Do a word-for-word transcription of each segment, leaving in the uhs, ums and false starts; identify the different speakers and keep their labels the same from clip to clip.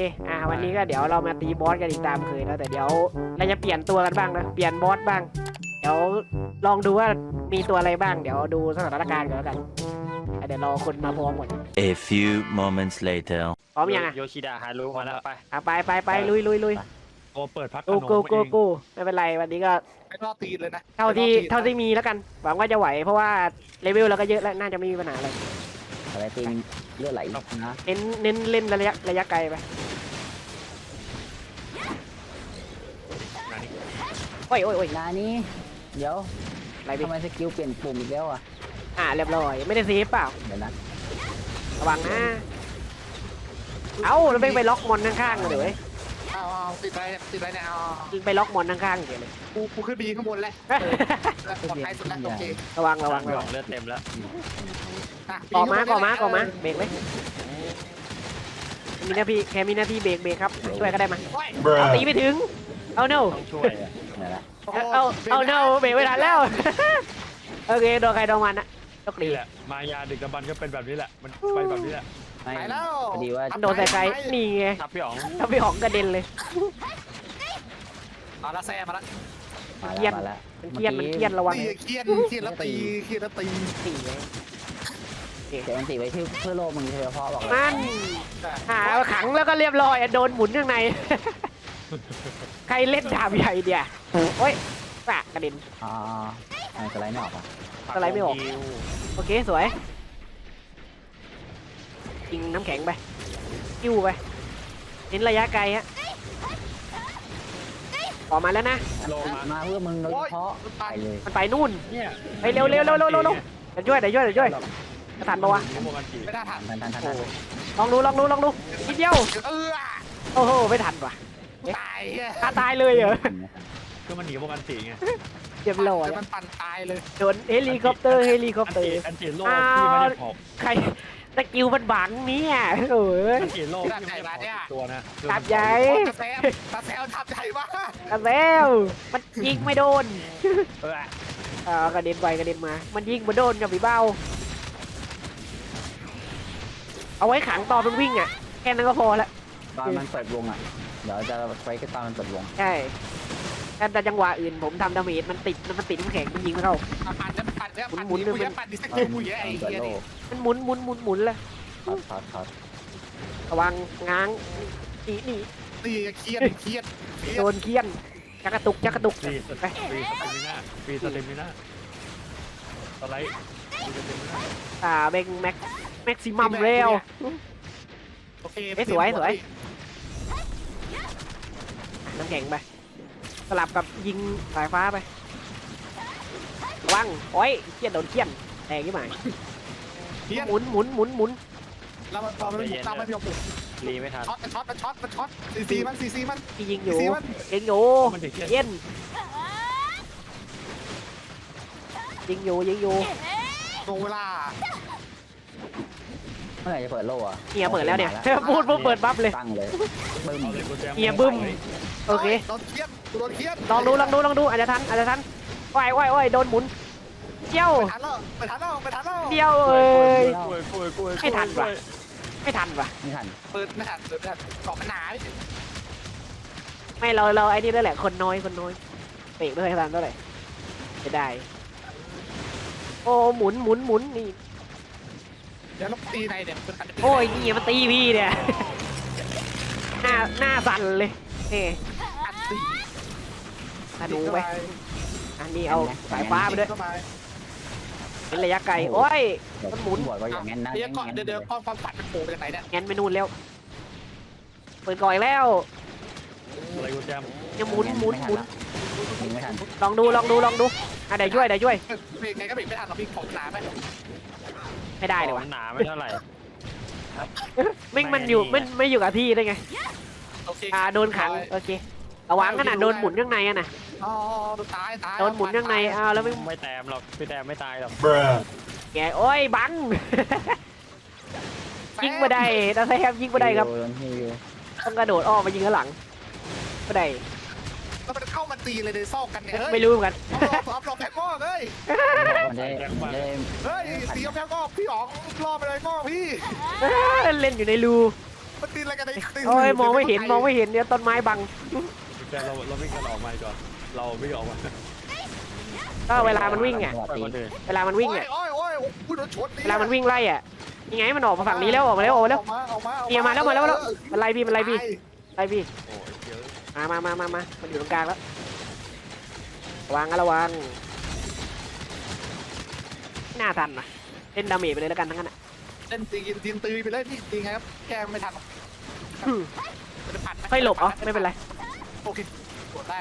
Speaker 1: อ่าวันนี้ก็เดี๋ยวเรามาตีบอสกันอีกตามเคยแล้วแต่เดี๋ยวเราจะเปลี่ยนตัวกันบ้างนะเปลี่ยนบอสบ้างเดี๋ยวลองดูว่ามีตัวอะไรบ้างเดี๋ยวดูสถานการณ์ก่อนแล้วกันเดี๋ยวรอคนมาพร้อมหมด
Speaker 2: A few moments later
Speaker 1: พร้อมยังอ่ะ
Speaker 3: โยชิดะฮารุมาแล้วไป
Speaker 1: อ่ะไปไปไปลุยลุยลุย
Speaker 4: โอ้เปิดพัดข
Speaker 1: กู
Speaker 4: นม
Speaker 1: กูกู
Speaker 4: เอง
Speaker 1: กูไม่เป็นไรวันนี้ก็
Speaker 5: ไม่รอดตีนเลยนะ
Speaker 1: เท่าที่เท่าที่มีแล้วกันหวังว่าจะไหวเพราะว่าเลเวลเราก็เยอะแล้วน่าจะไม่มีปัญหาอะไร
Speaker 6: อะไรตีนเลือดไหลนะ
Speaker 1: เน้นเน้นเล่นระยะระยะไกลไปโอ้ยโอ้ยโอ้ย
Speaker 6: นานี้เดี๋ยว
Speaker 1: อะไรพี่
Speaker 6: ทำไมสกิลเปลี่ยนปุ่มอีกแล้วอ่ะ
Speaker 1: อ่าเรียบร้อยไม่ได้เซฟเปล่า
Speaker 6: เดี๋ยวนะ
Speaker 1: ระวังนะเอ้าแล้วไปไปล็อกมอนข้างๆเลยเว้ย
Speaker 5: เอาเอาติดอะไรเนี่ยติดอะไรเนี่ยเอา
Speaker 1: ไปล็อกมอนข้างๆเดี๋ยวเลย
Speaker 5: กูกูขึ้นไปยิงข้างบนเลยปลอดภัยสุดแล้วโอเค
Speaker 1: ระวังระวัง
Speaker 3: พี่
Speaker 1: ระ
Speaker 3: ห
Speaker 1: วั
Speaker 3: อง งเลือดเต็มแล้ว
Speaker 5: ะ
Speaker 1: ก่อมาก่อมาก่อมาเบรกเลยมีหน้าที่แค่มีหน้าที่เบรกเบรกครับช่วยก็ได้มา
Speaker 5: โอ้ย
Speaker 1: เอาตีไม่ถึงเอา no
Speaker 3: ต้องช่วยอะ
Speaker 6: เดี๋ยวนะ
Speaker 1: เอาเอา no เบรกไม่ทันแล้วโอเคโดนใครโดนมันอะโชคดี
Speaker 4: นี่แหละมายาดึกดำบรรพ์ก็เป็นแบบนี้แหละมันไปแบบนี้แหละ
Speaker 6: ไม่
Speaker 5: ไปแล้ว
Speaker 6: พอดีว่า
Speaker 1: โดนใส่ใครนี่ไง
Speaker 3: ทับพี่หอง
Speaker 1: ถ้าพี่หองกระเด็นเลย
Speaker 5: มาละแซ่มาละ
Speaker 6: มา
Speaker 1: เครีย
Speaker 6: แล้
Speaker 1: ด
Speaker 6: วมาแล้ว
Speaker 1: มันเครียดมันเครียดระวัง
Speaker 5: ตีเครียดเครียดแล้วตีเครียดแล้วตี
Speaker 1: สี่ไง
Speaker 6: เดี๋ยวมันติไว้เพื่อเพื่อโลกมึงเฉพาะบอกเลย
Speaker 1: มันหาขังแล้วก็เรียบร้อยโดนหมุนข้างใน ใครเล่นดาบใหญ่เดียวโอ้ยปะกระเด็น
Speaker 6: อ๋อไอ้สไลด์ไม่ออกอ่ะ
Speaker 1: อะไรไม่ออก โอเคสวยยิงน้ำแข็งไปกิ้วไปเน้นระยะไกลฮะออกมาแล้วนะ
Speaker 3: ลงมา
Speaker 6: มาเพื่อมึงโดยเฉพาะไปเลย
Speaker 1: มันไปนู่น
Speaker 4: เนี่ย
Speaker 1: ไปเร็วเร็วเร็วเร็วเร็วเร็วเดี๋ยวช่วยเดี๋ยวช่วยเดี๋ยวช่วยจะทันปะวะ
Speaker 4: โมกันจี
Speaker 5: ไม่ได้ทัน
Speaker 6: ทันทันทันทัน
Speaker 1: ลองดูลองดูลองดูนิดเดียว
Speaker 5: เออ
Speaker 1: โอ้โหไม่ทันว่ะ
Speaker 5: ตายเ
Speaker 1: ตาตายเลยเหรอ
Speaker 4: คือมันหนีโมกันจีไง
Speaker 1: เรียบร้อย
Speaker 5: ดี๋ยวมันปั่นตายเลย
Speaker 1: โดนเฮลิคอปเตอร์เฮลิคอป
Speaker 4: อัน
Speaker 1: เตอ
Speaker 4: จี
Speaker 1: ร์
Speaker 4: อันจีโลกที่ไม่ได้พอก
Speaker 1: ใครสกิลมันบังเนี่ยโอ้ย
Speaker 4: อันจีโลกที่ไม่ได้พอกตัวนะ
Speaker 1: ตับใหญ่
Speaker 5: ตาแซมตาแซมทับใหญ่มาก
Speaker 1: กระแล้วมันยิงไม่โดน
Speaker 4: เออ
Speaker 1: เออกระเด็นไปกระเด็นมา มันยิงมาโดนกับพี่เบ้าเอาไว้ขังตอนมันวิ่งอ่ะแค่นั้นก็พอละ
Speaker 6: ตอนมันเปิดวงอ่ะเดี๋ยวจะไปก็ตอนมันเปิดวง
Speaker 1: ใช่แต่จังหวะอื่นผมทำดาเมจมันติดมันติดน้ำแข็งมันยิงไม่เข้า
Speaker 5: ปั่นจะปั่นจะปั่น
Speaker 1: หมุนๆ
Speaker 5: กูจะปั่นดิสกิลกูเยอะ
Speaker 6: ตอ
Speaker 5: ไอ้
Speaker 6: นเปิด
Speaker 5: เหี้ย
Speaker 6: โล
Speaker 5: นี่
Speaker 6: ก
Speaker 1: มันหมุนหมุนหมุนหมุนเลย
Speaker 6: ถอดถอดถอด
Speaker 1: ระวังง้างหนีหนี
Speaker 5: ตีเครียดเครียดเครีย
Speaker 1: โด
Speaker 5: ด
Speaker 1: นเคียนจักกระตุกจักกระตุก
Speaker 4: ฟรีส
Speaker 1: ไป
Speaker 4: ฟรีสเตมิน่าฟรีสเตมิน่าสไลด์ฟรีสเตมิน่า
Speaker 1: อ่าเบงแม็กแม็กซิมัมเร็ว
Speaker 5: โอเค
Speaker 1: เอ้ยสวยสวย น้ำแข็งไปสลับกับยิงสายฟ้าไประวังโอ้ยเคียนโดนเคียนแรงยี่หมาย
Speaker 5: เครียด
Speaker 1: หมุนหมุนหมุนหมุน
Speaker 5: แล้วมันพอมันไม่ตามไม่ยอมปลุก
Speaker 3: รีไม่ทัน
Speaker 5: ช็อตมันช็อตมันช็อตมันช็อตซีซีมันซีซีมัน
Speaker 1: ที่ยิงอยู่
Speaker 5: ซีมัน
Speaker 1: ยิงอยู่
Speaker 4: มันถึงเที่ยง
Speaker 1: เย็นยิงอยู่ยิงอยู่
Speaker 5: ตรงเวลา
Speaker 6: เมื่อไหร่จะเปิดโลกอ่ะ
Speaker 1: เฮียเปิดแล้วเนี่ยพูดปุ๊บเปิดบัฟเลย
Speaker 6: ตั้งเลยบึ้ม
Speaker 4: เอาเลยกูแจม
Speaker 1: เฮียบึ้ม โอเค
Speaker 5: โดนเครียดโดนเครียด
Speaker 1: ลองดูลองดูลองดูอาจจะทันอาจจะทันว่ายว่ายว่ายโดนหมุนเที่ยว
Speaker 5: ไปทันแล้วไปทันแล้วไปทันแล้ว
Speaker 1: เที่ยวเอ้ย
Speaker 4: กล้วยกล้วยกล้วย
Speaker 1: ไม่ทันว่ะ ไม่ทันว่ะ
Speaker 6: ไม่ทัน
Speaker 5: เปิดไม่ทันเปิดไม่ทันเกาะมันหนา
Speaker 1: ไม่เราเราไอ้นี่ด้วยแหละคนน้อยคนน้อยเตะไม่เคยทันเท่าไหร่จะได้โอ้หมุนหมุนหมุนนี่
Speaker 5: เดี๋ยวเราตีในเนี่ย
Speaker 1: โอ้ยนี่มันตีพี่เนี่ยหน้าหน้าสั่นเลยนี่
Speaker 5: อัดตี
Speaker 1: ธนูไปอันนี้เอาสายฟ้าไปด้วย
Speaker 5: เข้าไป
Speaker 1: เป็นระยะไกลโอ้ย
Speaker 6: เดี๋ยว
Speaker 1: มันหมุน
Speaker 6: บอกว่าอย่างนั้นนะ
Speaker 5: เดี๋ยวก่อนเดี๋ยวเดี๋ยวความความฝันมันโผล่ไปจากไหนเนี่ย
Speaker 1: งั้นไปนู่นแล้วเปิดก่อยแล้ว
Speaker 4: อะไรกูแจม
Speaker 1: จะหมุนหมุนหมุน
Speaker 6: ยิงไม่ทัน
Speaker 1: ลองดูลองดูลองดูอ่ะเดี๋ยวช่วยเดี๋ยวช่วย
Speaker 5: เบรกไงก็เบรกไม่ทันหรอกพี่ของหนาไหม
Speaker 1: ไม่ได้เลยวะ
Speaker 3: มันหนาไม่เท่าไหร่
Speaker 1: ไม่มันอยู่ไม่ไม่อยู่กับที่ได้ไง
Speaker 5: โอเค
Speaker 1: อ่าโดนขังโอเคระวังขนาดโดนหมุนข้างในอะนะ
Speaker 5: อ๋อตายตาย
Speaker 1: โดนหมุนข้างในอ้าวแล้วไม่
Speaker 3: ไม่แต้มหรอกพี่แต้มไม่ตายหรอก
Speaker 1: แกโอ้ยบัง ยิงมาได้นะแซมยิงมาได้ครับ
Speaker 6: โดนฮิว
Speaker 1: ต้องกระโดดอ้อมมายิงข้างหลังก็ได้
Speaker 5: แล้วมันเข้ามาตีเลยในซอกกันเนี่ยเฮ้ย
Speaker 1: ไม่รู้เหมือนกัน
Speaker 5: รอบรอบแพ้งอกเฮ้ย
Speaker 6: มันได้มันได้
Speaker 5: เฮ้ยตีแพ้งอกพี่อ๋องรอบไปเลยงอกพี่
Speaker 1: เล่นอยู่ในรู
Speaker 5: มันตีอะไรกันใน
Speaker 1: โอ้ยมองไม่เห็นมองไม่เห็นเนี่ยต้นไม้บัง
Speaker 4: แต่เราเราไม่กันออกมาก่อนเราไม่ออกมา
Speaker 1: ก็เวลามันวิ่งอ่ะ
Speaker 3: ไปคนอื่น
Speaker 1: เวลามันวิ่งอ่ะ
Speaker 5: โอ้ยโอ้ยโอ้ยพูดโดนชน
Speaker 1: เวลามันวิ่งไล่อ่ะยังไงมันออกมาฝั่งนี้แล้วออกมาแล้วออกมาแล้ว
Speaker 5: ออกมาออกมา
Speaker 1: เนี่ยมาแล้วมาแล้วมาแล้วมันไล่พี่มันไล่พี่ไล่พี่
Speaker 4: โอ้ยเยอะ
Speaker 1: มามามามามามันอยู่ตรงกลางแล้วระวังนะระวังไม่น่าทันนะเล่นดาเมจไปเลยแล้วกันทั้งนั้นอ่ะ
Speaker 5: เล่นตีนตีนตีไปเลยพี่ตีไงครับแกไม่ทัน
Speaker 1: อืม
Speaker 5: จะผ่าน
Speaker 1: ค่อยหลบอ๋อไม่เป็นไร
Speaker 5: โอเคกดได้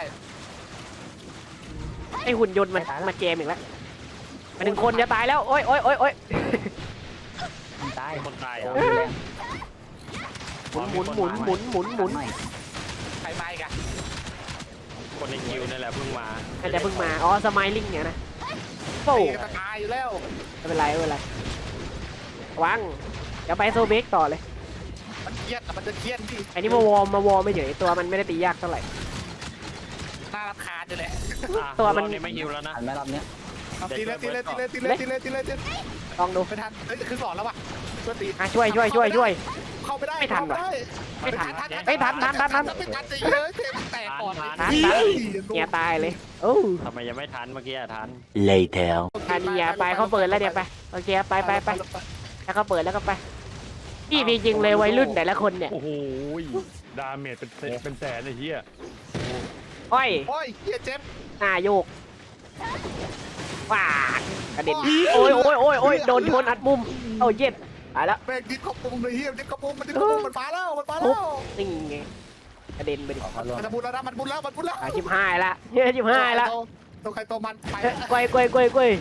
Speaker 1: ไอหุ่นยนต์มันมาเจมอีกแล้วมาถึงคนจะตายแล้วโอ้ยโอ้ยโอ้ยโอ้ย
Speaker 6: มันตาย
Speaker 3: คนตาย
Speaker 6: โอ้
Speaker 3: อ่ะ
Speaker 6: ยแรง
Speaker 1: หมุนหมุนหมุนหมุนหมุนหมุน
Speaker 6: หน่อย
Speaker 5: ใครมาอีกอะ
Speaker 3: คนในคิวนี่แหละเพิ่งมา
Speaker 1: อาจจะเพิ่งมาอ๋อสไมลิ่งเนี่ยนะโอ้
Speaker 5: ตีกันตายอยู่แล้ว
Speaker 1: ไม่เป็นไรไม่เป็นไรระวังเดี๋ยวไปโซเบกต่อเลย
Speaker 5: มันเครียดอะมันจะเครียดพี่
Speaker 1: อันนี้มาวอร์มมาวอร์มไม่เฉยตัวมันไม่ได้ตียากเท่าไหร่
Speaker 5: น่ารำคาญอยู่แหละ
Speaker 3: อ่ะ
Speaker 1: ตัวมัน
Speaker 3: รอบนี้ไม่ฮิวแล้วนะ
Speaker 6: หันไหมรอบเนี้ย
Speaker 5: เอาตีเลยตีเลยตีเลยตีเลยตีเลยตีเลยตีเลย
Speaker 1: ลองดู
Speaker 5: ไม่ทันเฮ้ยคือสอนแล้วว่ะช่วยตี
Speaker 1: อ่ะช่วยช่วยช่วยช่วย
Speaker 5: เข้าไม่ได้
Speaker 1: ไม่ทันว่ะ
Speaker 5: เข้าไม่ได้
Speaker 1: ไม่ทันไม่ทันทันทันทัน
Speaker 5: ไม่ทันจะเยอะเทมแตกก่อน
Speaker 1: ทันทันเนี่ยตายเลยโอ้
Speaker 3: ทำไมยังไม่ทันเมื่อกี้อะทัน
Speaker 2: Later.
Speaker 1: ทันเนี่ยไปเขาเปิดแล้วเดี๋ยวไปโอเคไปไปไปแล้วเขาเปิดแล้วก็ไปพี่มีจริงเลยวัยรุ่นแต่ละคนเนี่ย
Speaker 4: โอ้โหดาเมจเป็นเป็นแสนไอ้เหี้ย
Speaker 1: อ้อย
Speaker 5: โอ้ยเฮียเจ็บ
Speaker 1: หน้าโยกว้าดกระเด็นโอ้ยโอ้ยโอ้ยโอ้ยโดนชนอัดมุมโอ้ยเย็ดตายแล้ว
Speaker 5: แม่งดิ้นกระปุงเลยเฮียดิ้นกระปุงมันดิ้นกระปุงมันฟ้าแล้วมันฟ้าแล้ว
Speaker 1: นี่ไงกระเด็นไปดิ
Speaker 6: ขอเขารวม
Speaker 5: มันบุญแล้วนะมันบุญแล้วมันบุญแล้ว
Speaker 1: อ่ะชิบหายละเฮ้ยชิบหายละ
Speaker 5: ตัวใครตัวมันไป
Speaker 1: เอ้ยกล้วยกล้วยกล้วยกล้วย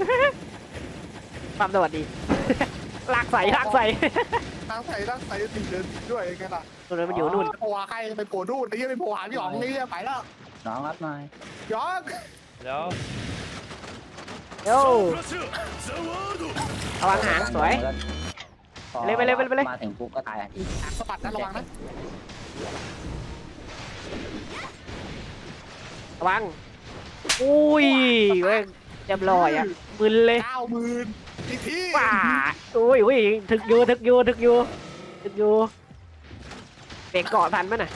Speaker 1: ความสวัสดีลากใส่ลากใส่
Speaker 5: ตั้งใส่ตั้งใส่ตีเดินด้วยกันล่ะ
Speaker 1: ตัวนั้นมันอยู่นู่น
Speaker 5: โผล่ใครเป็นโผล่นู่นไอ้เหี้ยเป็นโผล่หาพี่อ๋องนี่เหี้ยไปแล้ว
Speaker 6: น้องรับหน่อย
Speaker 5: ย้อน
Speaker 4: แล้ว
Speaker 1: โย่ระวังหางสวย
Speaker 6: พอ
Speaker 1: ไปเลยไปเลยไปเลย
Speaker 6: มาถึงปุ๊บก็ตายอ่ะ
Speaker 5: หางสะบัดนะระวังนะ
Speaker 1: ระวังอุ้ยเว้ยเรียบร้อยอ่ะมึนเลย
Speaker 5: เก้าหมื่นอีกที
Speaker 1: ว้าอุ้ยอุ้ยถึกอยู่ถึกอยู่ถึกอยู่ถึกอยู่เบรกเกาะทันมั้ยน่ะ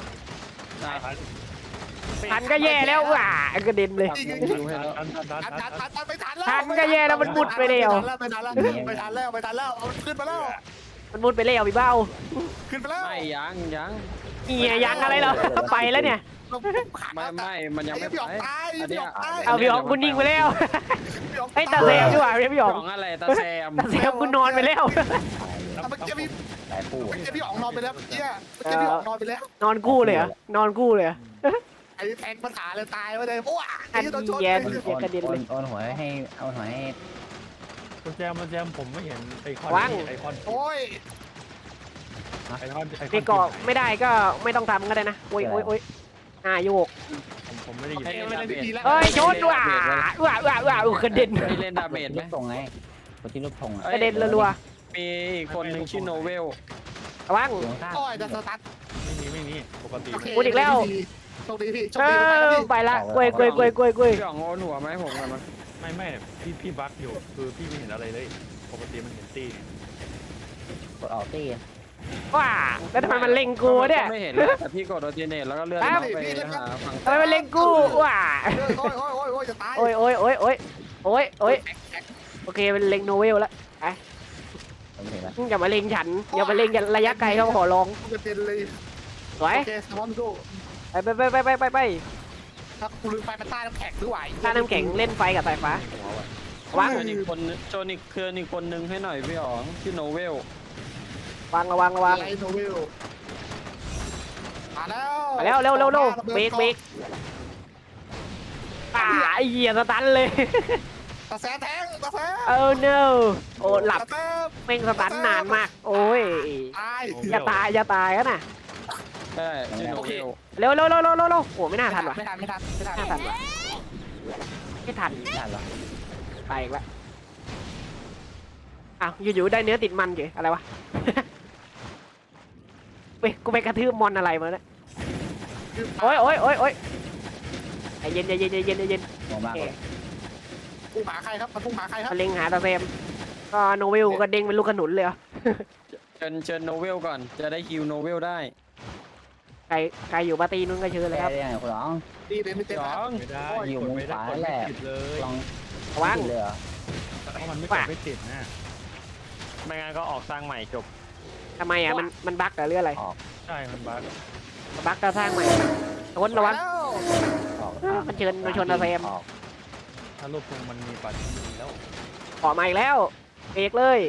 Speaker 1: ทันก็แย่แล้วว้ากระเด็นเลย
Speaker 4: ทันทันทัน
Speaker 5: ทัน
Speaker 4: ทั
Speaker 5: ทั
Speaker 4: น
Speaker 5: นทันไม่ทันแล้ว
Speaker 1: ทันก็แย่แล้วมันมุดไปแล้ว
Speaker 5: ไม่ทันแล้วไม่ทันแล้วไม่ทันแล้วเอาขึ้นมาแล้ว
Speaker 1: มันมุดไปแล้วพี่เบ้า
Speaker 5: ขึ้นมาแล้ว
Speaker 3: ไม่ยังยัง
Speaker 1: เหียยังอะไรเหรอไปแล้วเนี่ย
Speaker 3: ไม่ไม่มันยังไม่
Speaker 5: พี่
Speaker 3: ไป
Speaker 5: อ๋องตายพี่อ๋องตาย
Speaker 1: เอาพี่อ๋องคุณนิ่งไปแล้ว
Speaker 5: พี่อ๋อง
Speaker 1: ไอ้ยตาแซมดีกว่าพี่อ๋อง
Speaker 3: ของอะไรตาแซม
Speaker 1: ตาแซมคุณนอนไปแล้ว
Speaker 5: เมื่อกี้พี่
Speaker 6: หลายคู่
Speaker 5: เมื่อกี้พี่อ๋องนอนไปแล้วเมื่อกี้เมื่อกี้พี่อ๋องนอนไปแล้ว
Speaker 1: นอนกู้เลยเหรอนอนกู้เลยเหรอ
Speaker 5: ไอ้แทงปัญหาเลยตายไปเลยโอ้ยไอ้โดนชน
Speaker 1: แย่
Speaker 6: โอนโอนโอนโอนหัวให้เอาหัวให้
Speaker 4: คุณแจมคุณแจมผมไม่เห็นไอคอน
Speaker 1: วาง
Speaker 4: ไอคอน
Speaker 5: โอ้ย
Speaker 4: ไอคอนไอคอน
Speaker 1: พี่เกาะไม่ได้ก็ไม่ต้องทำก็ได้นะโอ้ยโอ้ยโอ้ยอ่าโยก
Speaker 4: ผมผมไม่ได้ยิน
Speaker 5: เอ้ยไม่เล่นดีแล้ว
Speaker 1: เฮ้ยชนว่ะว่ะว่ะว่ะอู้กระเด็น
Speaker 3: พี่เล่นดาเมจไหม
Speaker 6: รูปทรงไงคนที่รูปทรงอ่ะ
Speaker 1: กระเด็นรัว
Speaker 3: มีอีกคนหนึ่งชื่อโนเวล
Speaker 1: ๆระวัง
Speaker 6: อยู่ข้าง
Speaker 5: โอ้ยจะสตาร์ท
Speaker 4: ไม่มีไม่มีปกติ
Speaker 5: โอเค
Speaker 1: พูดอีกแล้ว
Speaker 5: โชคดีพี่โชค
Speaker 1: เอ
Speaker 5: ดี
Speaker 1: อไปละกล้วยกล้วยกล้วยกล้วยกล้วย
Speaker 3: พี่อ๋องโอนหัวไหมผมกันมั้ย
Speaker 4: ไม่ไม่พี่พี่บั๊กอยู่คือพี่ไม่เห็นอะไรเลย ปกติมันเห็นตี
Speaker 6: กดออกตี
Speaker 1: ว้าแล้วทำไมมันเล็งกูเนี่ย
Speaker 3: ไม่เห็นเลยแต่พี่กดโอเทเนตแล้วก็เลื่อน
Speaker 1: ครับ
Speaker 3: ไปหาฝั่ง
Speaker 1: ทำไมมันเล็งกูว้า
Speaker 5: โอ้ยโอ้ยโอ้ยโอ้ยจะตาย
Speaker 1: โอ้ยโอ้ยโอ้ยโอ้ยโอ้ยโอ้ยโอเคเป็นเล็งโนเวลแล้ว
Speaker 6: ผมเห็นแล้ว
Speaker 1: อย่ามาเล็งฉันอย่ามาเล็งระยะไกลเขาขอร้อง
Speaker 5: จะเป็นเลย
Speaker 1: สวย
Speaker 5: โอเคสมอนดู
Speaker 1: ไปไปไปไปไปไปไป
Speaker 5: ถ้ากูลืมไปมันใต้น้ำแข็งด้วย
Speaker 1: ถ้าน้ำแข็งเล่นไฟกับสายฟ้า วาง
Speaker 3: โจนอีกคนโจนอีกคืออีกคนนึงให้หน่อยพี่อ๋องชื่อโนเวล
Speaker 1: วางระวังระวัง
Speaker 5: ไลโนเวลมาแล้ว
Speaker 1: มาแล้วเร็วเร็วเร็วเบรกเบรกอ่าไอ้เหี้ยสตันเลย
Speaker 5: ตาแสแทงตาแส
Speaker 1: เออ no โอ้หลับ
Speaker 5: ตาแส
Speaker 1: แม่งสตันนานมาก โอ้ย
Speaker 5: ตาย
Speaker 1: อย่าตายอย่าตายกันน่ะ
Speaker 3: ใช่ชื่อโนเวล
Speaker 1: เร็วเร็วเร็วเร็วเร็วเร็วโอ้ไม่น่าทันว่ะ
Speaker 5: ไม่ทันไม่ทันไม่ทัน
Speaker 1: ไม่น่าทันว่ะไม่ทัน
Speaker 6: ได้หรอ
Speaker 1: ไปอีกแล้วอ้าวอยู่ๆได้เนื้อติดมันเฉยอะไรวะ ไปกูไปกระทืบมอนอะไรมาเนี่ยโอ้ยโอ้ยโอ้ยโอ้ยใจเย็นใจเย็นใจเย็นใจเย็น
Speaker 6: มองมากเลย
Speaker 5: พุ่งหาใครครับมันพุ่งหาใครครับ
Speaker 1: มาเล็งหาตาเซมก็โนเวลก็เด้งเป็นลูกขนุนเลยเหรอ
Speaker 3: เชิญเชิญโนเวลก่อนจะได้คิวโนเวลได้
Speaker 1: ใครใครอยู่ปาร์ตี้นู้นก็เชิญเลย
Speaker 6: แก
Speaker 1: ครับ
Speaker 6: ได้ยังไงคุณน้อง
Speaker 5: ดีเลยไม่เต็ม
Speaker 3: หย
Speaker 5: นะ
Speaker 3: อง
Speaker 4: ไม่ได้
Speaker 6: อยู่
Speaker 4: ก
Speaker 6: มุ
Speaker 4: ด
Speaker 6: ม
Speaker 4: ไม่ได้
Speaker 6: ขวาก
Speaker 4: ด
Speaker 6: แห
Speaker 4: ไม่
Speaker 6: ละ
Speaker 4: ติดเลย
Speaker 6: ลอง
Speaker 1: ระวัง
Speaker 6: ติดเลยเหรอ
Speaker 4: เพราะมันไม่ก
Speaker 1: ว่า
Speaker 4: ดไม่ติดนะไม่งั้นก็ออกสร้างใหม่จบ
Speaker 1: ทำไมอ่ะมันมันบั๊กหรืออะไร
Speaker 4: ใช่มันบั๊ก
Speaker 1: บั๊กก็สร้างใหม่ทนระวัง
Speaker 5: แล้ว
Speaker 6: ออก
Speaker 1: เออมันเชิญมันชนอาเซม
Speaker 6: ออก
Speaker 4: ถ้ารูปทรงมันมีปัดมีแล้ว
Speaker 1: ขอมาอีกแล้วเบรกเลย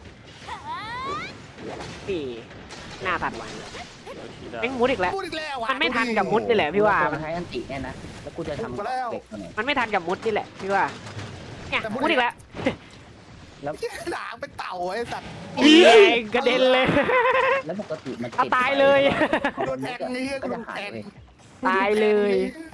Speaker 1: นี่หน้าทันว่ะแม่งมุดอีกแล้ว
Speaker 5: พูดอีกแล้วว่ะ
Speaker 1: มันไม่ทันกับมุดนี่แหละพี่ว่า
Speaker 6: มันใช้อันติเนี่ยนะแล้วกูจะทำ
Speaker 5: ถูกแล้ว
Speaker 6: เด็กตัวไหน
Speaker 1: มันไม่ทันกับมุดนี่แหละพี่ว่าเนี่ยมุดอีกแล้ว
Speaker 5: หางเป็นเต่าไอ้สัตว์
Speaker 1: อีกระเด็นเลย
Speaker 6: แล้วปกติมัน
Speaker 1: เอาตายเลย
Speaker 5: โดนแทงนี่
Speaker 6: ก็
Speaker 5: ก็โด
Speaker 6: จะ
Speaker 5: น
Speaker 6: หาย
Speaker 5: แทง
Speaker 6: เลย
Speaker 1: ตายเลย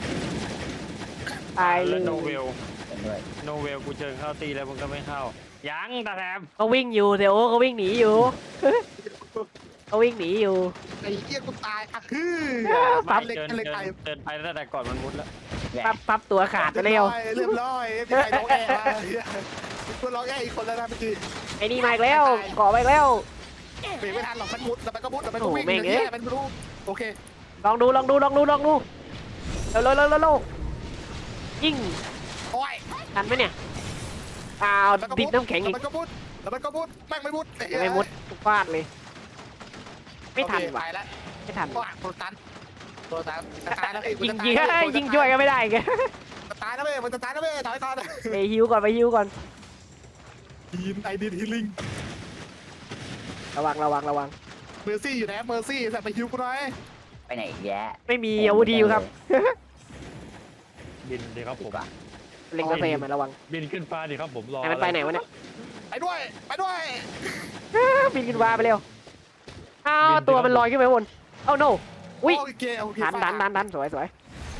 Speaker 1: ตายเล
Speaker 3: แล้ว
Speaker 1: ย
Speaker 3: โนเวล
Speaker 6: กันด้วย
Speaker 3: โนเวลกูเชิญเข้าตีแล้วมึงก็ไม่เข้ายังตาแถม
Speaker 1: เขาวิ่งอยู่เซโอเขาวิ่งหนีอยู่เขาวิ่งหนีอยู่
Speaker 5: ไอ้เหี้ยกูตายอ่ะคือ
Speaker 1: ปั๊บ
Speaker 5: เล็ก
Speaker 3: เชิญ
Speaker 5: เล็ก
Speaker 3: เชิญ
Speaker 5: ไป
Speaker 3: เชิญไปตั้งแต่ก่อนมันมุดแล้ว
Speaker 6: แหวะ
Speaker 1: ปั๊บปั๊บตัวขาดไปเร็ว
Speaker 5: เรียบร้อยพี่ไอ้ร้องแอะตัวร้องแอะอีกคนแล้วนะเมื่อกี้
Speaker 1: ไอ้นี่มาอีกแล้วเกาะมาอีกแล้ว
Speaker 5: เบรกไม่ทันหรอกมันมุดแล้วมันก็มุดแล้วมันก็วิ่ง
Speaker 1: โอ้โหแม่งเอ้ย
Speaker 5: มันไม่รู้โอเค
Speaker 1: ลองดูลองดูลองดูลองดูเร็วเร็วเร็วเร็วเร็วยิง
Speaker 5: โอ้ย
Speaker 1: ทันไหมเนี่ยอ้าว
Speaker 5: แล้วก็
Speaker 1: ดิดน้ำแข็งอีก
Speaker 5: แล้วมันก็มุดแล้วมันก็มุดแม่งไม่มุด
Speaker 1: ยังไม่มุดฟาดเลย ไม่ทัน
Speaker 5: โอเค
Speaker 1: ว่ะ
Speaker 5: ไปแล้ว
Speaker 1: ไม่ทัน
Speaker 5: ว้าตัวตันตัวตันจะตายแล้วเอ้
Speaker 1: ยิงยิงเฮ้ยยิงช่วยก็ไม่ได้แก
Speaker 5: จะตายแล้วเว้ยมันจะตายแล้วเว้ยถอยก่อน
Speaker 1: ไปฮิวก่อนไปฮิวก่อน
Speaker 5: ทีมไอดีฮีลิง
Speaker 1: ระวังระวังระวัง
Speaker 5: เมอร์ซี่อยู่ไหนเมอร์ซี่แต่ไปฮิวกูหน่อย
Speaker 6: ไปไหนอีกแยะ
Speaker 1: ไม่มีอาวุธดีอยู่ครับ
Speaker 4: บินดีครับผม
Speaker 1: เล็งกระเซมอะระวัง
Speaker 4: บินขึ้นฟ้าดีครับผมรอ
Speaker 1: ไอ้มันไปไหนวะเนี่ย
Speaker 5: ไปด้วยไปด้วย
Speaker 1: บินขึ้นฟ้าไปเร็วอ้าวตัวมันลอยขึ้นไปบนเอ้าโนอุ้ย
Speaker 5: โอเคโอเค
Speaker 1: ดันดันดันดันสวยสวย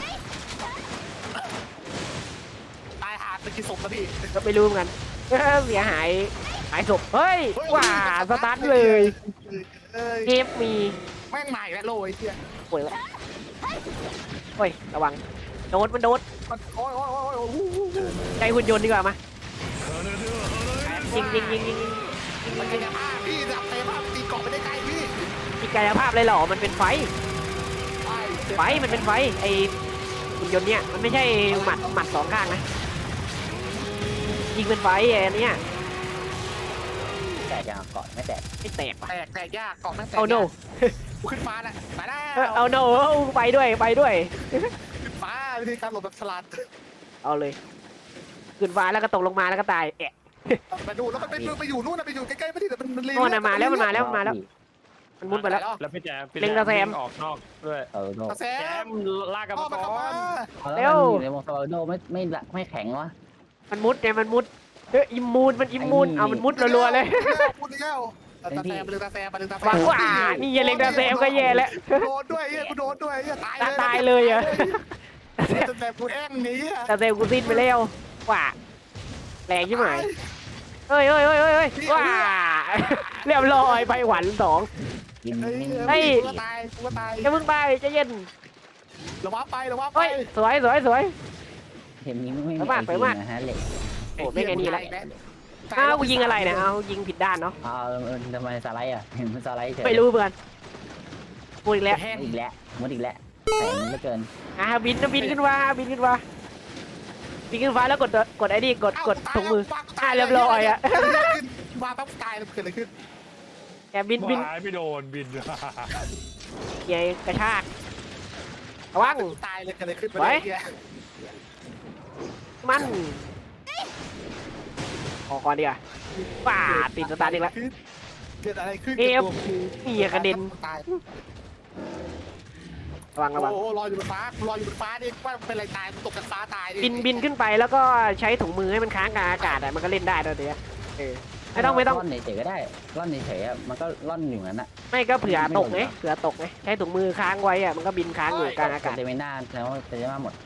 Speaker 5: ตายหาดเป็นกี่ศพแล้วพี่
Speaker 1: ก็ไม่รู้เหมือนกันเออเสียหายหายศพเฮ้ยว้าสตาร์ทเลย
Speaker 5: เอ้ย
Speaker 1: เกมมี
Speaker 5: แม่งใหม่แล้วโลยเฮีย
Speaker 1: ป่วยแล้วโอ้ยระวังโดดมันโดด
Speaker 5: มันโอ้ยโอ้ยโอ้ยโอ้ย
Speaker 1: ใจหุ่นยนต์ดีกว่ามายิงยิงยิงยิงยิง
Speaker 5: มันกายภาพพี่จับกายภาพตีเกาะไปได้ไกลพี่
Speaker 1: มีกายภาพเลยเหรอมันเป็นไฟ
Speaker 5: ไปเจ็บ
Speaker 1: ไฟมันเป็นไฟไอหุ่นยนต์เนี่ยมันไม่ใช่หมัดหมัดสองข้างนะยิงเป็นไฟไอ้อันเนี้ย
Speaker 6: แต่จะเกาะไม่แตก
Speaker 1: ไม่แตกว่ะ
Speaker 5: แตกแตกยากเกาะแม่งแตก
Speaker 1: เอาโน
Speaker 5: กูขึ้นฟ้าแล้วไปแล้
Speaker 1: เออ
Speaker 5: ว
Speaker 1: เอาโนไปด้วยไปด้วย
Speaker 5: ขึ้นฟ้าวิธีการหลบแบบฉลาด
Speaker 1: เอาเลยขึ้นฟ้าแล้วก็ตกลงมาแล้วก็ตายแอะ
Speaker 5: ไปดูแล้วมันไปไปอยู่นู่นนะไปอยู่ใกล้ๆไม่ได้แต่มันมัน
Speaker 1: โน่นน่ะมาแล้วมันมาแล้วมันมาแล้วมันมุดไปแล้ว
Speaker 3: แล้วพี่แจ๊พี่
Speaker 1: เล็งตาแซม
Speaker 3: วิ่ออกนอกด้วย
Speaker 6: เออโน
Speaker 5: ตาแซ
Speaker 3: แจ
Speaker 5: ม
Speaker 3: มลากกระ
Speaker 5: พ่อ
Speaker 3: ป๋
Speaker 5: มัน
Speaker 3: อ
Speaker 5: เข้ามา
Speaker 6: แล้
Speaker 1: เร็
Speaker 6: ว
Speaker 1: ว
Speaker 6: อยู่ในวงสวาโดไม่ไม่ไม่แข็งวะ
Speaker 1: มันมุดไงมันมุดเอออิมมูนมันอิมมูน
Speaker 6: ไอ้นี่
Speaker 1: เอามันมุดรัวๆเลย
Speaker 5: พูดอีกแล้วตาแซมไปเลยตาแซมไปเลยตาแซ
Speaker 1: วาง
Speaker 5: ม
Speaker 1: ว่านี่อย่าเล็งดาเซมก็แย่แล้ว
Speaker 5: โดนด้วยเฮียกูโดนด้วยเฮียตาย
Speaker 1: ตาตายเลยเหรอ
Speaker 5: ตาแซมกูแอ้งนี้
Speaker 1: ดาเซมกูสิ้นไปแล้วว่าแรงยิ่งไหมเฮ้ยเฮ้ยเฮ้ยเฮ้ยเฮ้ยว้าเรียบร้อยไปหวันสอง
Speaker 6: กิน
Speaker 5: เฮ้ย
Speaker 6: นิ่ง
Speaker 1: เฮ้ย
Speaker 5: กูก็ตายกูก็ตาย
Speaker 1: จะมึงไปจะเย็น
Speaker 5: ระวังไประวังไป
Speaker 1: เฮ้ยสวยสวยสวย
Speaker 6: เห็นนี้ไม่มี
Speaker 1: ไปมากไปมาก
Speaker 6: นะฮะเหล็ก
Speaker 1: โอ้ไม่ไงนี่ละอ้าวกูยิงอะไรเนี่ยเอายิงผิดด้านเนาะ
Speaker 6: เอาเออทำไมสไลด์อ่ะเห็นมันสไลด์เฉย
Speaker 1: ไม่รู้เพื่อนพูดอีกแล้ว
Speaker 5: แห้ง
Speaker 6: มุดอีกแล้วมุดอีกแล้วแข็งเหลือเกิน
Speaker 1: อ่าบินนะบินขึ้นมาบินขึ้นมาบินขึ้นฟ้าแล้วกดตัวกดไอ้นี่กดกดถุงมืออ่าเรียบร้อยอ่ะ
Speaker 5: มาปั๊บตายแล้วเกิดอะไรขึ้น
Speaker 1: แกบินบิน
Speaker 4: หายไม่โดนบิน
Speaker 1: ใหญ่กระชากระวัง
Speaker 5: ตายเลยเกิดอะไรขึ้น
Speaker 1: ไว้
Speaker 5: เฮีย
Speaker 1: มันออกก่อนดีกว่าป่าติดสตาร์ทอีกแล้ว
Speaker 5: เกิดอะไรขึ้น
Speaker 1: เอฟ
Speaker 5: กับตัวกู
Speaker 1: นี่กระเด็น
Speaker 5: ตาย
Speaker 1: ระวังระวัง
Speaker 5: โอ้โหรออยู่บนฟ้ารออยู่บนฟ้าดิว่าเป็นอะไรตายตกจากฟ้าตายดิ
Speaker 1: บินบินขึ้นไปแล้วก็ใช้ถุงมือให้มันค้างกลางอากาศอะมันก็เล่นได้ตัวเดียวเออไม่ต้องไม่ต้อง
Speaker 6: ร่อนเฉยๆก็ได้ร่อนเฉยๆอะมันก็ร่อนอยู่นั้นอ่ะ
Speaker 1: ไม่ก็เผื่อตกไงเผื่อตกไงใช้ถุงมือค้างไว้อะมันก็บินค้างอยู่กลางอากาศ
Speaker 6: เดเวน่าแล้วเดเวน่าหมด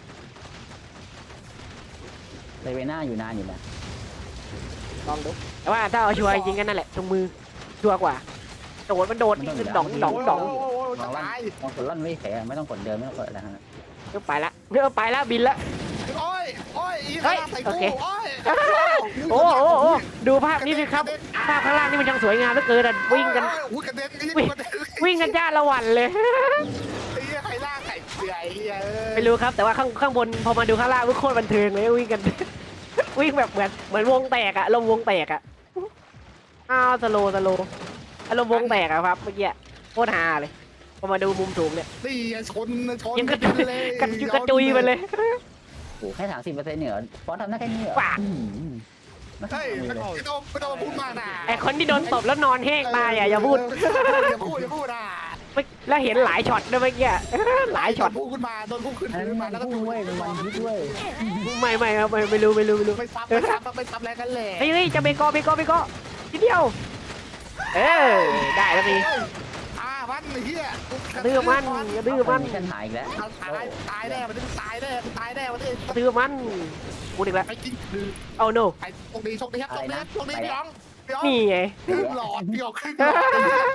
Speaker 6: เดเวน่าอยู่นานอยู่นะ
Speaker 1: ลองดูแต่ว่าถ้าเอาชัวร์จริงๆกันนั่นแหละถุงมือชัวร์กว่าโดดมันโดดขึ้นดองดองดอง
Speaker 5: โโห
Speaker 6: ล
Speaker 5: จะ
Speaker 6: องร่อน
Speaker 5: ตาย
Speaker 6: ลองกดร่อนไม่เฉยๆไม่ต้องกดเดินไม่ต้องกดอะไรทั้งนั้น
Speaker 1: เออไปละเออไปละบินละ
Speaker 5: โอ้ยโอ้ยอี
Speaker 1: เฮ้ย
Speaker 5: ใส่
Speaker 1: โอ
Speaker 5: กู
Speaker 1: เค
Speaker 5: โอ้ย
Speaker 1: โอ้โอ้โอ้ดูภาพนี้สิครับ
Speaker 5: อ่า
Speaker 1: ภาพข้างล่างนี่มันช่างสวยงามเหลือเกินอ่ะวิ่งกัน
Speaker 5: อุ้ยกระเด็นไอ้
Speaker 1: วิ่ง
Speaker 5: กระเด็น
Speaker 1: วิ่งกันจ้าละวันเลย
Speaker 5: ไอ้เหี้ยใครล่าไข่เสือไอ้เหี้ยเอ้ย
Speaker 1: ไม่รู้ครับแต่ว่าข้างข้างบนพอมาดูข้างล่างโคตรบันเทิงเลยวิ่งกัน วิ่งแบบเหมือนเหมือนวงแตกอะลมณ์วงแตกอะอ้าวสโลว์สโลว์อารมณ์วงแตกอะครับเมื่อกี้โคตรฮาเลยพอมาดูมุมสูงเนี่ย
Speaker 5: นี่ไงชนชน
Speaker 1: ยังกระจุย
Speaker 5: เลย
Speaker 1: กระจุยกระจุยไปเลย
Speaker 6: โอ้แค่สามสิบเปอร์เซ็นต์เหนือฟอสทำได้แค่นี้เหรอ
Speaker 1: ว้า
Speaker 6: อืมไม่
Speaker 5: เฮ้ย
Speaker 6: ทำ
Speaker 5: ไม่
Speaker 6: เลย
Speaker 5: ต้องไม่ต้องมาพูดมากนะ
Speaker 1: ไอคนที่โดนตบแล้วนอนแห้งตายอะอย่าพูด
Speaker 5: อย่าพูดอย่าพูดนะ
Speaker 1: ไม่แล้วเห็นหลายช็อตด้วยเมื่อกี้ หลายช็อต
Speaker 5: พูดขึ้นมาโดนพูดขึ้น
Speaker 6: อันนั้น
Speaker 5: มา
Speaker 6: มัน
Speaker 5: แล้วก็
Speaker 6: พุ่งเว้ยมันมันฮิตเว้ย
Speaker 1: ไม่ไม่ครับไม่ไม่รู้ไม่รู้ไม่รู้
Speaker 5: ไม่ซ้ำไม่ซ้ำไม่ซ้ำแรงกันแหละ
Speaker 1: เฮ้ยเฮ้ยจะเบโกอเบโกอเบโกอทีเดียวเออได้แล้วพี่
Speaker 5: อ่ามันไอ้เหี้ย
Speaker 1: ดื้อมันอย่าดื้อมัน
Speaker 6: ฉันหายอีกแล้ว
Speaker 5: ตายตายแน่มันจะตายแน่มันตายแน่มันจะ
Speaker 1: ดื้อมันกูอีกแล้ว
Speaker 5: ไปกินคือ
Speaker 1: เอา no
Speaker 5: ไอ้โชคดีโชคดีครับโชคดีครับโชคดีพี่อ๋องพี่อ๋อง
Speaker 1: นี่ไง
Speaker 5: ครึ่งหลอดพี่อ๋องครึ่งหลอด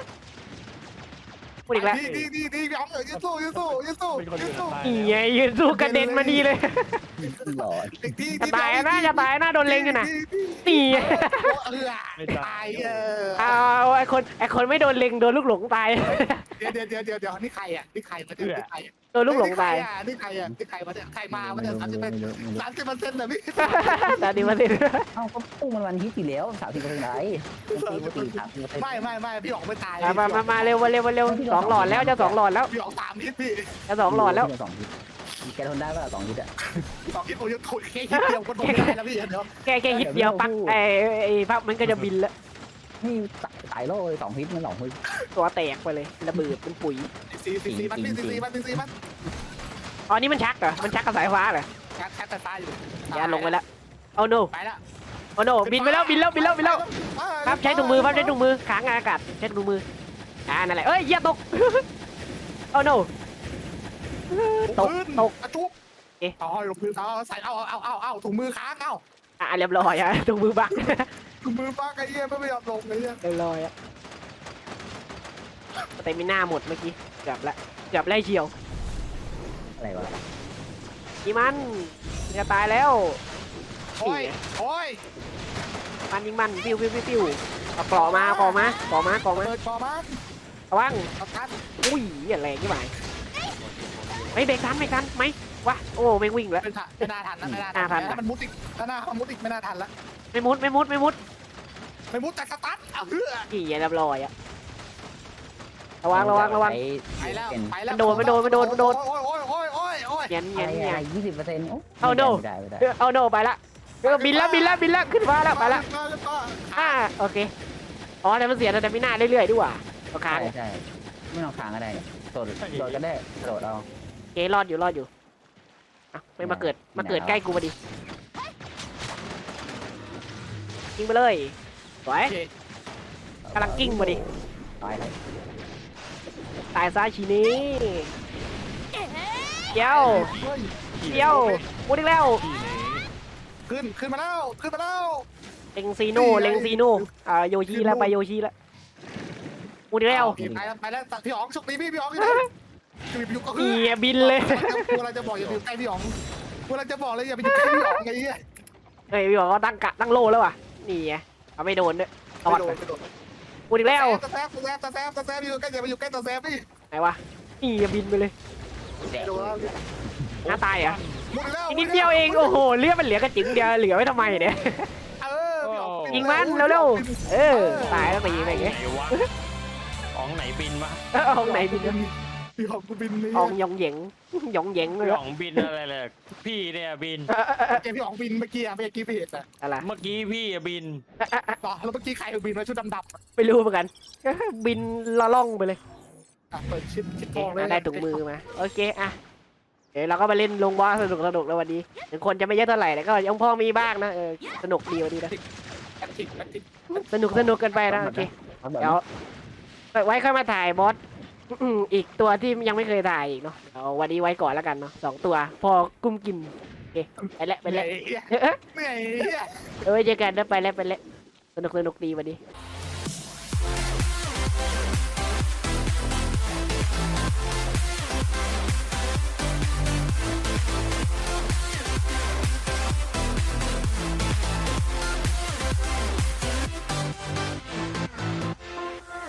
Speaker 1: พูดอีกแล้ว
Speaker 5: ดีดีดีดีพี่อ๋องเออยืดสู้ยืดสู้ยืดสู้
Speaker 4: เป็นคน
Speaker 5: ยื
Speaker 4: เดี
Speaker 5: ด
Speaker 4: ยว
Speaker 5: สู้
Speaker 4: ตาย
Speaker 1: นี่ไงยืนสู้กระเด็นมาดีเลย
Speaker 6: หลอด
Speaker 5: อีกที
Speaker 1: จะตายนะจะตายนะโดนเล็งอยู่นะนี่
Speaker 5: เออตายเออ
Speaker 1: เอาไอคนไอคนไม่โดนเล็งโดนลูกหลงตาย
Speaker 5: เดี๋ยวเดี๋ยวเดี๋ยวเดี๋ยวเดี๋ยวนี่ใครอ่ะนี่ใครมาเนี่ยนี่ใคร
Speaker 1: โดนลูกหลงตาย
Speaker 5: นี่ใครอ่ะนี่ใครมาเนี่ยใครมามาเนี่ยสามสิบเปอร์เซ็นต์สามสิบเปอร์เซ็นต์เหรอพี่
Speaker 1: ตาดีมาสิ
Speaker 6: เอ้าก็พุ่งมันวันฮิตอยู่แล้วสามสิบเปอร์เซ็นต์ไรตีปกติสามสิบเปอร์เซ็นต์
Speaker 5: ไม่ไม่ไม่พี่อ๋องไม่ตาย
Speaker 1: มามามามาเร็วมาเร็วมาเร็วสองหลอดแล้วจะสองหลอดแล้ว
Speaker 5: พี่อ๋องสามฮิตพี่
Speaker 1: จะสองหลอดแล้ว
Speaker 6: สองฮิตแกทนได้ป่ะสองฮิตอะ
Speaker 5: สองฮิตผมยังคุยแค่ฮิตเดียวก็โดนได้แล้วพี่เดี๋ยว
Speaker 1: แค่แค่ฮิตเดียวปักไอไอภาพมันก็จะบินแล้ว
Speaker 6: นี่ตายโล่เลยสองฮิตมันสองฮิต
Speaker 1: ตัวแตกไปเลยระเบิดเป็นปุ๋ย
Speaker 5: สี่สี่สี่มันพี่สี่สี่มันสี่สี่มัน
Speaker 1: อ๋อนี่มันชักเหรอมันชักกับสายฟ้าเหรอ
Speaker 5: แคทแคทแต่ตายอยู่
Speaker 1: อย่าลงไปแล้วเอา no
Speaker 5: ไปแล้ว
Speaker 1: เอา no บินไปแล้วบินแล้วบินแล้วบินแล้วครับใช้ถุงมือครับใช้ถุงมือค้างอากาศใช้ถุงมืออ่านั่นแหละเอ้ยเหี้ยตก เอา no ตกตก
Speaker 5: กระจุก
Speaker 1: เอ๊ะ
Speaker 5: เอาลงพื้นเอาใส่เอาเอาเอาเอาถุงมือค้างเอา
Speaker 1: อ่ะเรียบร้อยอะถุงมือบัก
Speaker 5: ถุงมือป้าไอ้เหี้ยไม่ยอมลงไอ้เหี้ย
Speaker 1: เรียบร้อยอะแต่มีหน้าหมดเมื่อกี้เกือบละเกือบไล่เฉียว
Speaker 6: อะไรวะ
Speaker 1: อีมันจะตายแล้ว
Speaker 5: โอ้ยโอ้ย
Speaker 1: มันยิงมันปิ้วปิ้วปิ้วปิ้วเอาเกราะมาเกราะมาเกราะมาเกราะมา
Speaker 5: เปิดคอมัน
Speaker 1: ระวัง
Speaker 5: เอาทัน
Speaker 1: อุ้ยอย่าแรงยี่หมายไม่เบรกทันเบรกทันไหมวะโอ้ไม่วิ่งแล้ว
Speaker 5: ไม่ทันไม่น่าทันนะไม่น่า
Speaker 1: น่าทั
Speaker 5: ทั
Speaker 1: น
Speaker 5: นมันมุดอีกถ้าหน้ามันมุดอีกไม่น่าทันละ
Speaker 1: ไม่มุดไม่มุดไม่มุด
Speaker 5: ไม่มุดแต่สตาร์ทเอาเพื่อ
Speaker 1: อีอย่าเรียบร้อยอะระวังระวังระวัง
Speaker 5: ไปแล้วไปแล้ว
Speaker 1: มันโดนมันโดนมันโดนมันโดน
Speaker 5: โอ้ยโอ้ยโอ้ยโอ้ยโอ้ย
Speaker 1: เงียน
Speaker 6: อะ
Speaker 1: เงียน
Speaker 6: ไร
Speaker 1: เงีย
Speaker 6: อะไร
Speaker 1: น
Speaker 6: ยี่สิบเปอร์เซ็นต์
Speaker 1: เอาโน่
Speaker 6: ไม่ได้ไม่ได้
Speaker 1: เอาโนไปละเออบินแล้วบินแล้วบินแล้วขึ้นฟ้าแล้วไปละ
Speaker 5: มาแล้วก็
Speaker 1: อ่าโอเคอ๋อแต่มันเสียแต่ไม่น่าเรื่อยๆดีกว่าเอาค้าง
Speaker 6: ใช่ใช่ไม่ต้องค้างก็ได้โดดโดดก็ได้โดดเอา
Speaker 1: โอเครอดอยู่รอดอยู่อ่ะไม่มาเกิดมาเกิดใกล้กูพอดียิงไปเลยสวยกำลังกิ้งพอดี
Speaker 6: ตายเลย
Speaker 1: ตายซาชีนี้เดี๋ยวเดี๋ยวพูดอีกแล้ว
Speaker 5: ขึ้นขึ้นมาแล้วขึ้นมาแล้ว
Speaker 1: เล็งซีโน่เล็งซีโน่อ่าโยชิแล้วไปโยชิแล้วพูดอีกแล้ว
Speaker 5: ไปแล้วไปแล้วพี่อ๋องโชคดีพี่พี่อ๋องอยู่ไหนอยู่ก็คือ
Speaker 1: เอียบินเลย
Speaker 5: กูเราจะบอกอย่าไปอยู่ใกล้พี่อ๋องกูเราจะบอกเลยอย่าไปอยู่ใกล้พี่อ๋องไงเนี่ย
Speaker 1: เฮ้ยพี่บอกว่าตั้งกะตั้งโลแล้วว่ะนี่ไงเอาไม่โดนด้วยตอด
Speaker 5: โด
Speaker 1: ไป
Speaker 5: นโดน
Speaker 1: พูดอีกแล้ว
Speaker 5: ตะแซบตะแซบตะแซบตะแซบอยู่ใกล้อย่าไปอยู่ใกล้ตะแซบพี่
Speaker 1: ไหนวะนี่อย่าบินไปเลย
Speaker 5: โดนแล้ว
Speaker 1: หน้าตายเหรอ่ะ
Speaker 5: หมดแล้ว
Speaker 1: อีกนิดเดียวเองโอ้โหเลือดมันเหลือกระจิ๋งเดียวเหลือไว้ทำไมเนี่ย
Speaker 5: เออพี่อ๋อง
Speaker 1: ยิงมันเร็วๆเออตายแล้วไปยิงอะไรเงี้ย
Speaker 3: ไหนวะของไหนบินวะ
Speaker 1: เออเอาไหนบินวะ
Speaker 5: พี่อ๋องกูบินนี่
Speaker 1: อองยองเหยงหยองเหยงเลย
Speaker 3: พี่อ๋องบินอะไรเลยพี่เนี่ยบิน
Speaker 5: เจพี่อ๋องบินเมื่อกี้อะเมื่อกี้พี่เห็นอะ
Speaker 1: อะไร
Speaker 3: เมื่อกี้พี่อะบิน
Speaker 5: ต่อแล้วเมื่อกี้ใครบินมาชุดดำๆ
Speaker 1: ไม่รู้เหมือนกัน บินละล่องไปเลย
Speaker 5: อ่ะเปิดชิดชิด
Speaker 1: โอ
Speaker 5: ทอง
Speaker 1: เค
Speaker 5: เลย
Speaker 1: ได้ถุงมือมาโอเคอ่ะเดี๋ยวเราก็มาเล่นลงบอสสนุกสนุกแล้ววันนี้ถึงคนจะไม่เยอะเท่าไหร่แต่ก็ยังพอมีบ้างนะเออสนุกดีวันนี้นะ
Speaker 5: แอคทิกแอคทิก
Speaker 1: สนุกสนุกกันไปนะโอเคเดี๋ยวไว้ค่อยมาถ่ายบอสอืมอีกตัวที่ยังไม่เคยถ่ายอีกเนาะเอาวันนี้ไว้ก่อนแล้วกันเนาะสองตัว พอกุ้มกินโอเคไปแล้วไป
Speaker 5: เหนื่
Speaker 1: แล้
Speaker 5: อ
Speaker 1: วย
Speaker 5: เหนื่อย
Speaker 1: เออไว้เจอกันนะไปแล้วไปแล้วสนุกสนุกดีวันนี้
Speaker 5: เ